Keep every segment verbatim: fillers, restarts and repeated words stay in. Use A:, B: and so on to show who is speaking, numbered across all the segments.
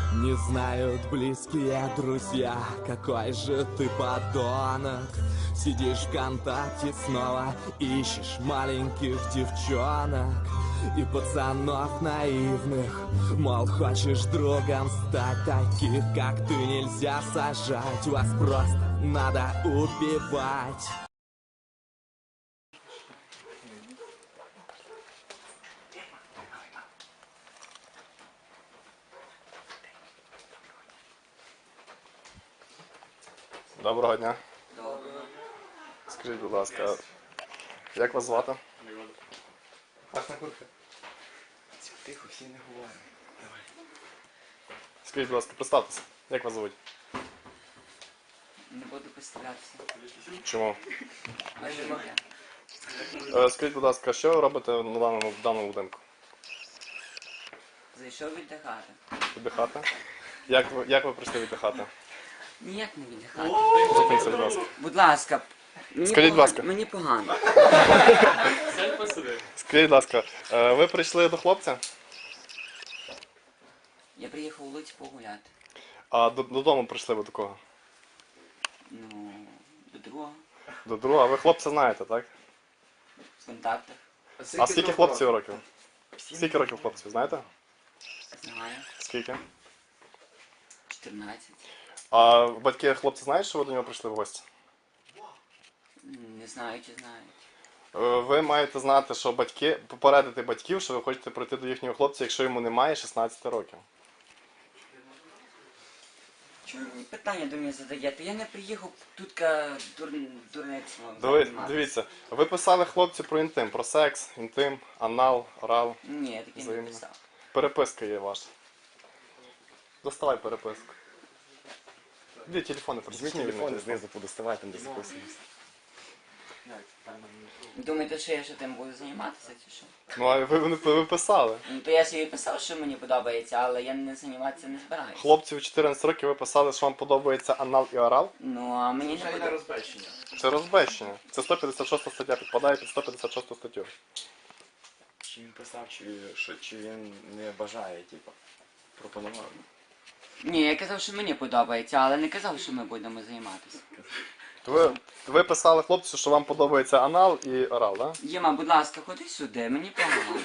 A: Не знают близкие друзья, какой же ты подонок. Сидишь ВКонтакте снова, ищешь маленьких девчонок и пацанов наивных. Мол, хочешь другом стать, таких как ты нельзя сажать. Вас просто надо убивать.
B: Доброго дня.
C: Доброго.
B: Скажіть, будь ласка, як вас звати?
C: Пашна курка. Тихо, всі не говорять. Давай.
B: Скажіть, будь ласка, представтеся. Як вас звуть?
C: Не буду представлятися.
B: Чому?
C: А що таке?
B: Е, Скажіть, будь ласка, що ви робите на даному, в даному будинку?
C: Зайшов віддихати.
B: Віддихати? Як ви, як ви прийшли віддихати?
C: Ніяк не віддихати.
B: Зупиніться, будь ласка.
C: Будь ласка. Мені
B: Скажіть, будь
C: погано-
B: ласка.
C: Мені погано.
B: Скажіть, будь ласка, е, ви прийшли до хлопця,
C: Я приїхав у Луць погуляти.
B: а до- додому прийшли ви до кого?
C: Ну, до другого.
B: До друга. Ви хлопця знаєте, так?
C: В контактах.
B: А скільки хлопців років? Скільки років хлопців, знаєте?
C: Знаю.
B: Скільки?
C: чотирнадцять.
B: А батьки хлопця знають, що ви до нього прийшли в гості?
C: Не знаю, чи знають.
B: Е, Ви маєте знати, що батьки, попередити батьків, що ви хочете прийти до їхнього хлопця, якщо йому немає шістнадцяти років.
C: Чому ви питання до мене задаєте? Я не приїхав тут ка дур... дурництво.
B: Диви,
C: займатися.
B: дивіться, ви писали хлопцю про інтим, про секс, інтим, анал, орал.
C: Ні, я таки не
B: Взаємно.
C: писав.
B: Переписка є ваша. Доставай переписку. Дві телефони
D: Візьміть
B: присутні.
D: телефон, знизу подоставай, там де записуємося.
C: Думаєте, що я ще тим буду займатися, чи що?
B: Ну а ви, ви, ви писали.
C: Ну, то я собі писав, що мені подобається, але я не займатися не збираюся.
B: Хлопцю в чотирнадцять років ви писали, що вам подобається анал і орал.
C: Ну, а мені не подобається.
B: Це розбещення. Це сто п'ятдесят шоста стаття, підпадає під сто п'ятдесят шосту статтю.
D: Чи він писав, чи, що, чи він не бажає, типу, пропонував.
C: Ні, я казав, що мені подобається, але не казав, що ми будемо займатися.
B: То ви, ви писали хлопцю, що вам подобається анал і орал, так? Да?
C: Єма, будь ласка, ходи сюди, мені погано.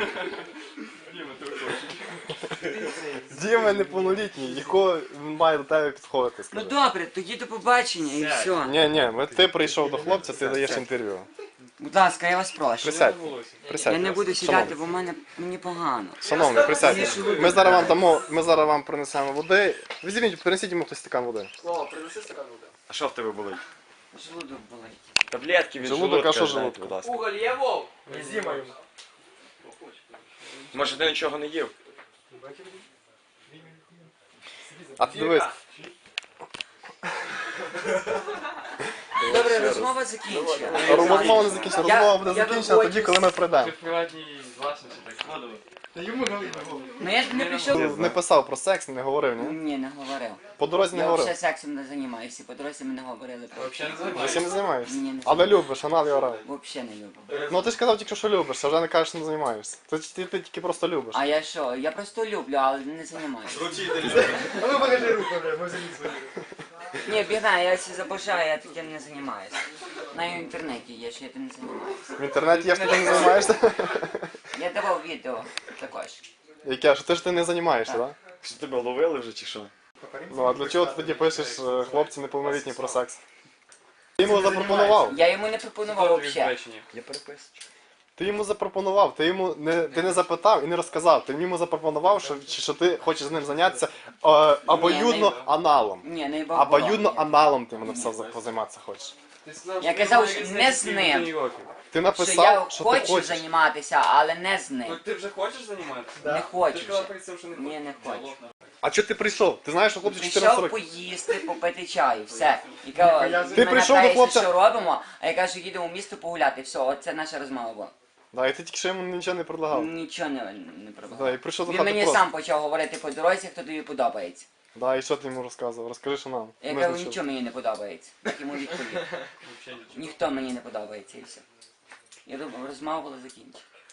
B: Діма неповнолітній, якого він має до тебе підходити,
C: Ну
B: скажи.
C: добре, тоді до побачення і все.
B: Ні, ні, ми- ти прийшов до хлопця, ти даєш інтерв'ю.
C: Будь ласка, я вас прошу.
B: Присядь. Присядь.
C: Я не буду сідати,
B: Шановний.
C: бо в мене мені погано.
B: Шановний, присядьте. Ми зараз вам дамо, ми зараз вам принесемо води. Візьміть, принесіть йому хтось стакан води.
D: А що в тебе болить?
C: Желудок болить.
D: Таблетки від
B: Желудок, а
D: желудка,
B: що
D: дайте,
B: желудка?
D: будь ласка.
E: Уголь є, Вов? Везімо йому.
D: Може, ти нічого не їв?
B: А ти дивись,
C: Добре, розмова закінчена.
B: розмова не закінчена, розмова буде
C: я
B: закінчена тоді, коли ми прийдемо.
E: Приватній власності так складово.
C: Ну я ж не прийшов.
B: Не писав про секс, не говорив, ні?
C: Ні, не говорив.
B: По дорозі не
C: Я
B: говорив.
C: взагалі сексом не займаюся, по дорозі ми не говорили про
E: Взагалі не
B: Ти
E: займаєшся.
B: всім не займаєшся?
C: Ні, не
B: Але любиш, анал і орал.
C: Взагалі не люблю.
B: Ну ти ж казав тільки, що любиш, а вже не кажеш, що не займаєшся. Ти, ти, ти тільки просто любиш.
C: А я що? Я просто люблю, але не займаюся.
E: А ну покажи руку, бля, ми заліз свою.
C: Ні, біда, я це забажаю, я таким не займаюся. На інтернеті є, що я тим не займаюся.
B: В інтернеті є, що ти не займаєшся?
C: Я давав відео також.
B: Яке, що ти ж ти не займаєшся, так?
D: Що тебе ловили вже чи що?
B: Ну а для чого ти тоді пишеш е, хлопці неповнолітні про секс? Ти йому запропонував.
C: Я йому не пропонував взагалі.
D: Я переписочку.
B: Ти йому запропонував, ти йому не, ти не запитав і не розказав. Ти йому запропонував, що, що ти хочеш з ним зайнятися е, обоюдно аналом.
C: Ні, не бабу.
B: Обоюдно аналом ти мене все позайматися хочеш.
C: Я казав, що не з ним.
B: Ти
C: Що я
B: написав, що ти
C: хочу
B: хочеш.
C: займатися, але не з
E: Ну
C: ним.
E: ти вже хочеш займатися?
C: Не хочу
E: Ти сказав
C: вже.
E: перед цим, що не
C: Ні,
E: хочеш.
C: не хочу.
B: А чого ти прийшов? Ти знаєш, що хлопці чотирнадцять
C: Прийшов
B: років.
C: поїсти, попити чаю, все. І кажу,
B: Ти
C: він мене
B: прийшов до
C: питається,
B: хлопця-
C: що робимо, а я кажу, їдемо в місто погуляти, все, оце наша розмова була.
B: Да, і ти тільки що йому нічого не предлагав.
C: Нічого не, не
B: Да,
C: пробував.
B: і прийшов до
C: Він
B: хати
C: мені
B: просто.
C: сам почав говорити по дорозі, хто тобі подобається.
B: Да, і що ти йому розказував? Розкажи, що нам.
C: Я
B: Ми
C: кажу,
B: ж не
C: нічого мені не подобається. Так йому відповів. Ніхто мені не подобається і все. Я думав, розмова була закінчена.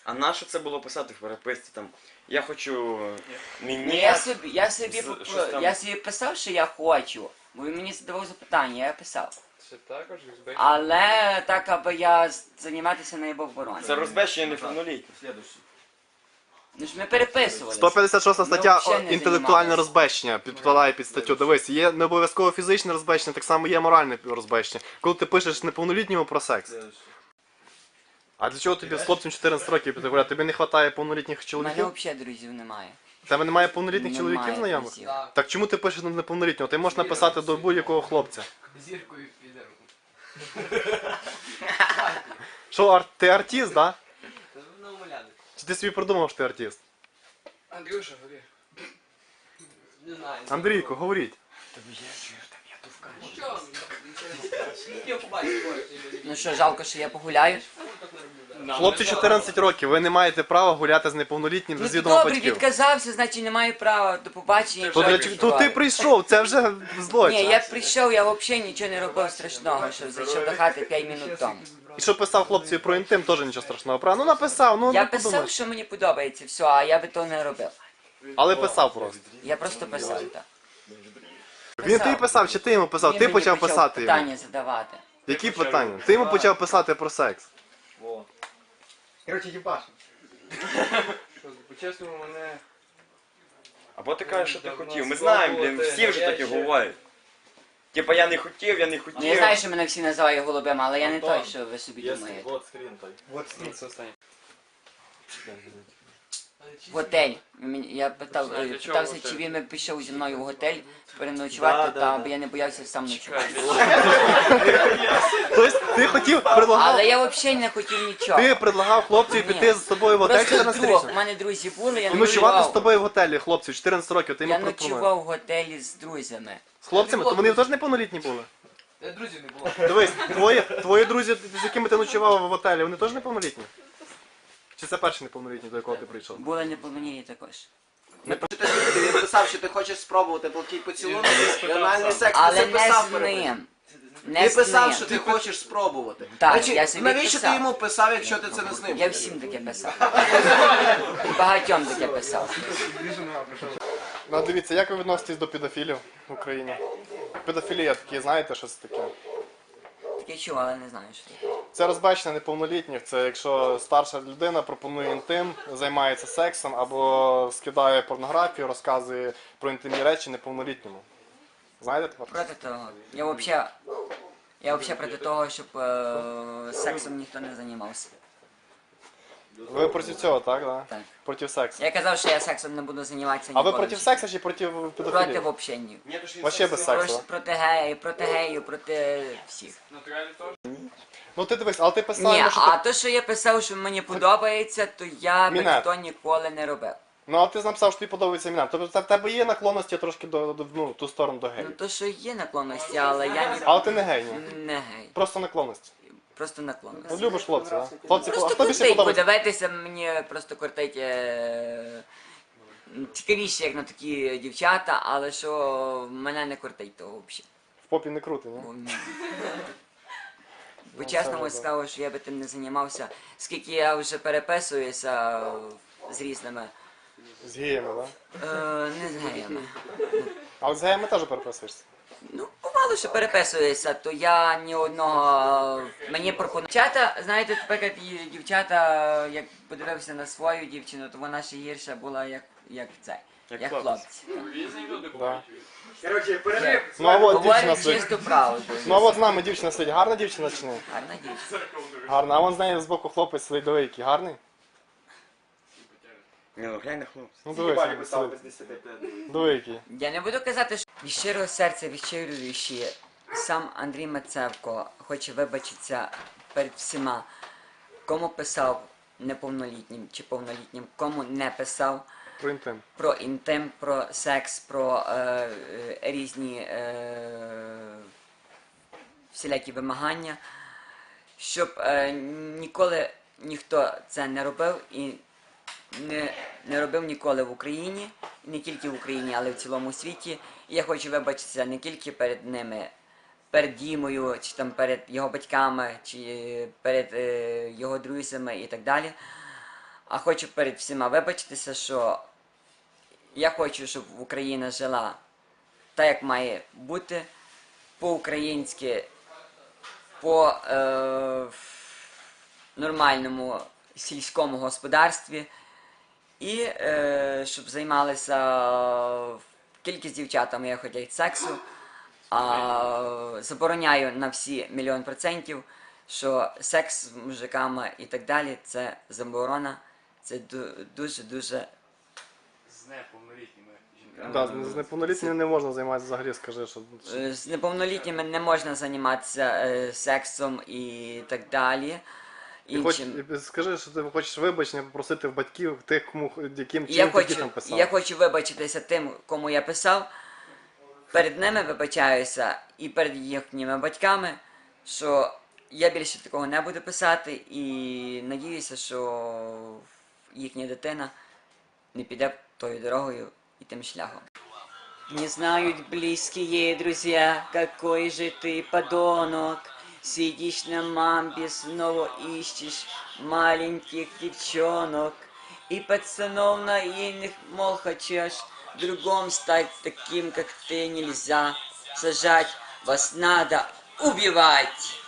D: А на що це було писати в переписці там? Я хочу
C: Ну,
D: мені.
C: я собі, я собі,
D: З-
C: поп-
D: щось там.
C: я собі писав, що я хочу, бо він мені задавав запитання, я писав.
E: Це також узбек.
C: Але так, аби я з- займатися не був оборони.
D: Це розбещення неповнолітніх.
C: Ну ж ми переписувалися.
B: сто п'ятдесят шоста стаття
C: взагалі не
B: інтелектуальне
C: займалися.
B: розбещення підпадає під статтю. Дивись, є не обов'язково фізичне розбещення, так само є моральне розбещення. Коли ти пишеш неповнолітньому про секс. А для чого тобі з хлопцем чотирнадцять років піти гуляти? Тобі не вистачає повнолітніх
C: У мене
B: чоловіків?
C: взагалі друзів немає.
B: У тебе немає повнолітніх
C: Немає
B: чоловіків знайомих?
C: друзів.
B: Так чому ти пишеш на неповнолітнього? Ти можеш написати до будь-якого хлопця.
E: Зіркою підемо.
B: Що, ар- ти артист, да?
E: На умоляни.
B: Чи ти собі придумав, що ти артист?
E: Андрюша, говори. Не знаю.
B: Андрійко, говоріть.
E: Що? Я побачив.
C: Ну що, жалко, що я погуляю?
B: Хлопці чотирнадцять років, ви не маєте права гуляти з неповнолітнім
C: Ну
B: без
C: ти
B: відома
C: добре,
B: батьків.
C: відказався, значить не маю права. До побачення.
B: То, для, чого- то ти прийшов, це вже злочин.
C: Ні, я прийшов, я взагалі нічого не робив страшного, що зайшов до хати п'ять минут тому.
B: І що писав хлопцеві про інтим, теж нічого страшного. Правда? Ну написав, ну
C: Я
B: не
C: писав,
B: подумаєш.
C: що мені подобається, все, а я би то не робив.
B: Але писав просто.
C: Я просто писав, так.
B: Він тобі писав, чи ти йому писав?
C: Він
B: Ти
C: мені
B: почав писати йому.
C: питання задавати.
B: Які питання? Ти йому почав писати про секс.
E: Короче, їбаш. По-чесному, мене...
D: Або ти кажеш, що ти хотів. Ми знаємо, блін, всі вже таке говорять. Типа я не хотів, я не хотів.
C: Ну я знаю, що мене всі називають голубем, але я не той, що ви собі думаєте.
E: Вот скрин.
C: Готель. Мені- Я питав,
E: Знаєш,
C: е,
E: для чого
C: питався,
E: готель?
C: чи він би пішов зі мною в готель переночувати, та бо я не боявся сам ночувати.
B: Тобто ти хотів, предлагав,
C: Але я взагалі не хотів нічого.
B: ти предлагав хлопцю
C: Ні.
B: піти з тобою в готель
C: Просто друг, у
B: чотирнадцятирічним?
C: мене друзі були, я
B: І ночувати з
C: ночував.
B: тобою в готелі, хлопцю, чотирнадцять років, ти
C: Я
B: йому пропонуєш.
C: ночував в готелі з друзями.
B: З хлопцями? То вони теж неповнолітні були?
E: Е, Друзів не було.
B: Дивись, твої, твої друзі, з якими ти ночував в готелі, вони теж неповнолітні? Чи це перший неповнолітній, до якого ти прийшов?
C: Були неповнолітні також.
F: Він писав, що ти хочеш спробувати плоский поцілунок і анальний секс.
C: Але
F: Ти це
C: не
F: писав
C: з
F: перед тим.
C: ним. Не
F: Ти
C: з
F: писав,
C: ним.
F: що ти хочеш спробувати.
C: Так,
F: Значить,
C: я собі
F: навіщо
C: писав.
F: ти йому писав, якщо ти це не з ним?
C: Я всім таке писав. І багатьом таке писав.
B: Ну, дивіться, як ви відноситесь до педофілів в Україні? Педофілія такі, знаєте, що це таке?
C: Таке чув, але не знаю, що таке.
B: Це розбачення неповнолітніх, це якщо старша людина пропонує інтим, займається сексом або скидає порнографію, розказує про інтимні речі неповнолітньому. Знаєте тепер?
C: Проти того. Я взагалі... Я взагалі проти того, щоб е, сексом ніхто не займався.
B: Ви проти цього, так? Да?
C: Так.
B: Проти сексу.
C: Я казав, що я сексом не буду займатися
B: А
C: ніколи.
B: ви проти сексу чи проти
C: Проти
B: педофілії?
C: взагалі ні.
B: Вообще без сексу.
C: Проти, проти геїв, проти геїв, проти всіх.
B: Ну ти дивись, але ти писав,
C: Ні,
B: йому, що
C: а
B: ти...
C: то, що я писав, що мені подобається, то я би
B: Мінет.
C: то ніколи не робив.
B: Ну а ти написав, що тобі подобається міна. Тобто в тебе є наклонності трошки до, до ну, в ту сторону до
C: Ну
B: геїв.
C: то, що є наклонності, але я ні...
B: Але ти не гей, ні?
C: не гей.
B: Просто наклонності.
C: Просто
B: Ну,
C: наклонності.
B: любиш хлопців, а? Хлопці, а
C: Просто
B: хто більше
C: кортить,
B: подобається?
C: подивитися, мені просто кортить е... цікавіше, як на такі дівчата, але що мене не кортить того взагалі.
B: В попі не крути, ні?
C: Бо
B: Ну,
C: чесно
B: це
C: скажу, що я би тим не займався. Скільки я вже переписуюся з різними,
B: З геями, так?
C: е, не з геями.
B: Але з геями теж переписуєшся.
C: Ну, бувало, що переписуюся, то я ні одного мені пропонують. Дівчата, знаєте, тепер як і дівчата, як подивився на свою дівчину, то вона ще гірша була, як, як це,
D: Як
C: як
D: хлопець.
C: хлопці.
B: Да.
E: Короче, перерив.
B: Ну а от дівчина
C: Говорить
B: сидить.
C: чисту правду.
B: Ну а от з нами дівчина сидить. Гарна дівчина чи ні?
C: Гарна дівчина.
B: Гарна. А вон з нею з боку хлопець сидить диви, який гарний.
D: Ні, ну глянь на хлопця.
B: Ну дивись, сидить. Диви, який.
C: Я не буду казати, що від щирого серця, від щирої душі, сам Андрій Мацевко хоче вибачитися перед всіма, кому писав неповнолітнім чи повнолітнім, кому не писав
B: Про інтим.
C: про інтим, про секс, про е, е, різні е, всілякі вимагання, щоб е, ніколи ніхто це не робив і не, не робив ніколи в Україні, і не тільки в Україні, але й в цілому світі. І я хочу вибачитися не тільки перед ними, перед Дімою, чи там перед його батьками, чи перед е, його друзями і так далі. А хочу перед всіма вибачитися, що я хочу, щоб Україна жила так, як має бути, по-українськи, по е, нормальному сільському господарстві. І е, щоб займалися кількість дівчатами, я хотять сексу, а забороняю на всі мільйон процентів, що секс з мужиками і так далі це заборона, це дуже-дуже.
E: З неповнолітніми жінками.
B: Да, з неповнолітніми не можна займатися взагалі, скажи, що.
C: Е, З неповнолітніми не можна займатися е, сексом і так далі.
B: Ти хоч,
C: Іншим.
B: скажи, що ти хочеш вибачення попросити в батьків тих, кому яким
C: І я
B: чим ти дітям
C: хочу,
B: писав.
C: я хочу вибачитися тим, кому я писав. Перед ними вибачаюся і перед їхніми батьками, що я більше такого не буду писати, і надіюся, що їхня дитина не піде тою дорогою і тим шляхом. Не знают близкие друзья, какой же ты подонок. Сидишь на мамбе, снова ищешь маленьких девчонок. И пацанов наивных, мол, хочешь другом стать таким, как ты, нельзя. Сажать вас надо убивать.